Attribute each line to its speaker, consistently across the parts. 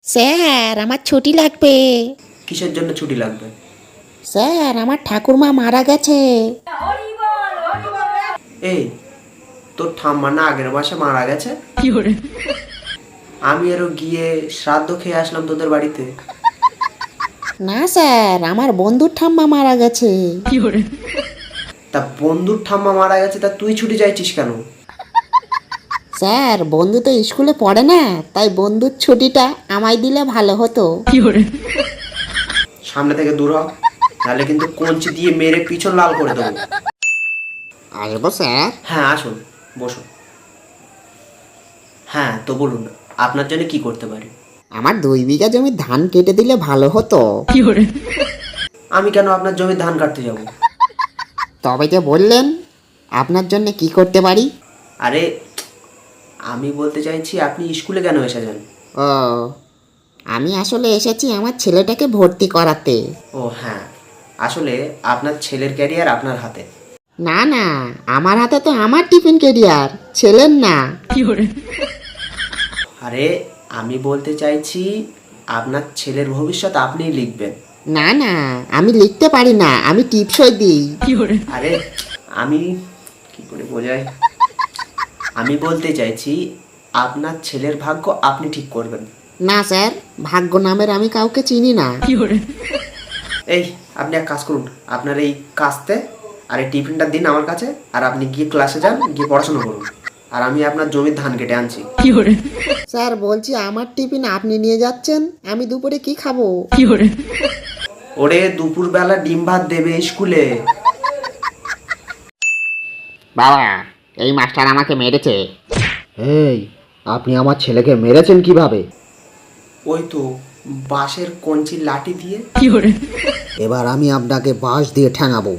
Speaker 1: Sir আমার ছুটি লাগবে।
Speaker 2: কিসের জন্য ছুটি লাগবে?
Speaker 1: স্যার আমার ঠাকুরমা মারা গেছে।
Speaker 2: এই, তোর ঠাম্মা না আগের মাসে মারা গেছে? আমি আরো গিয়ে শ্রাদ্ধ খেয়ে আসলাম তোদের বাড়িতে।
Speaker 1: না স্যার, আমার বন্ধুর ঠাম্মা মারা গেছে।
Speaker 2: তা বন্ধুর ঠাম্মা মারা গেছে, তা তুই ছুটি চাইছিস কেন?
Speaker 1: স্যার বন্ধু তো স্কুলে পড়ে না, তাই বন্ধুর ছুটিটা আমায় দিলে ভালো হতো।
Speaker 2: সামনে থেকে দূর হ, তাহলে কিন্তু কঞ্চি দিয়ে মেরে পিছন লাল করে দেবো।
Speaker 1: আসবো স্যার?
Speaker 2: হ্যাঁ আসুন, বসুন। হ্যাঁ তো বলুন, আপনার জন্য কি করতে পারি?
Speaker 1: আমার 2 বিঘা জমির ধান কেটে দিলে ভালো হতো।
Speaker 2: আমি কেন আপনার জমি ধান কাটতে যাব?
Speaker 1: তবে যে বললেন আপনার জন্য কি করতে পারি।
Speaker 2: আরে আমি বলতে চাইছি, আপনি স্কুলে কেন এসেছেন?
Speaker 1: ও, আমি আসলে এসেছি আমার ছেলেটাকে ভর্তি করাতে।
Speaker 2: ও হ্যাঁ, আসলে আপনার ছেলের ক্যারিয়ার আপনার হাতে।
Speaker 1: না না, আমার হাতে তো আমার টিফিন কেরিয়ার, ছেলের না।
Speaker 2: আরে আমি বলতে চাইছি, আপনার ছেলের ভবিষ্যৎ আপনিই লিখবেন।
Speaker 1: না না, আমি লিখতে পারি না, আমি টিপসই দিই।
Speaker 2: আরে আমি কি করে বোঝাই, আমি বলতে চাইছি আপনার ছেলের ভাগ্য আপনি ঠিক করবেন।
Speaker 1: না স্যার, ভাগ্য নামের আমি কাউকে চিনি না।
Speaker 2: এই আপনি এক কাজ করুন, আপনার এই কাস্তে আর এই টিফিনটা দিন আমার কাছে, আর আপনি গিয়ে ক্লাসে যান, গিয়ে পড়াশোনা করুন, আর আমি আপনার জমির ধান কেটে আনছি।
Speaker 1: স্যার বলছি আমার টিফিন আপনি নিয়ে যাচ্ছেন, আমি দুপুরে কি খাবো?
Speaker 2: ওরে দুপুরবেলা ডিম ভাত দেবে স্কুলে।
Speaker 1: বাবা, এই মাস্টার আমাকে মেরেছে।
Speaker 3: এই, আপনি আমার ছেলেকে মেরেছেন কিভাবে?
Speaker 2: ওই তো বাঁশের কঞ্চির লাঠি দিয়ে।
Speaker 3: এবার আমি আপনাকে বাঁশ দিয়ে ঠ্যাঙাবো।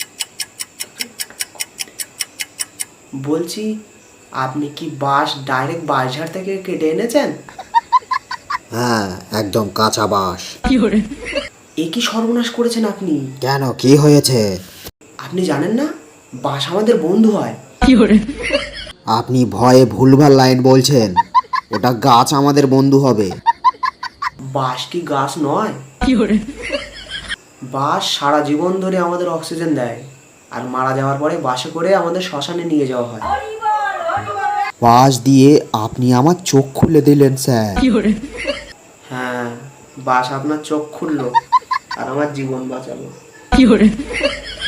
Speaker 2: বলছি, আপনি কি বাঁশ ডাইরেক্ট বাঁশঝাড় থেকে কেটে এনেছেন?
Speaker 3: হ্যাঁ, একদম কাঁচা বাঁশ।
Speaker 2: এ কি সর্বনাশ করেছেন আপনি?
Speaker 3: কেন, কি হয়েছে?
Speaker 2: আপনি জানেন না বাঁশ আমাদের বন্ধু হয়?
Speaker 3: আপনি ভয়ে ভুলভাল লাইন বলছেন। ওটা গাছ আমাদের বন্ধু হবে।
Speaker 2: বাঁশ কি গাছ নয়? বাঁশ সারা জীবন ধরে আমাদের অক্সিজেন দেয়, আর মারা যাওয়ার পরে বাসে করে আমাদের শ্মশানে নিয়ে যাওয়া হয়।
Speaker 3: বাঁশ দিয়ে আপনি আমার চোখ খুলে দিলেন স্যার।
Speaker 2: হ্যাঁ, বাঁশ আপনার চোখ খুললো আর আমার জীবন বাঁচালো।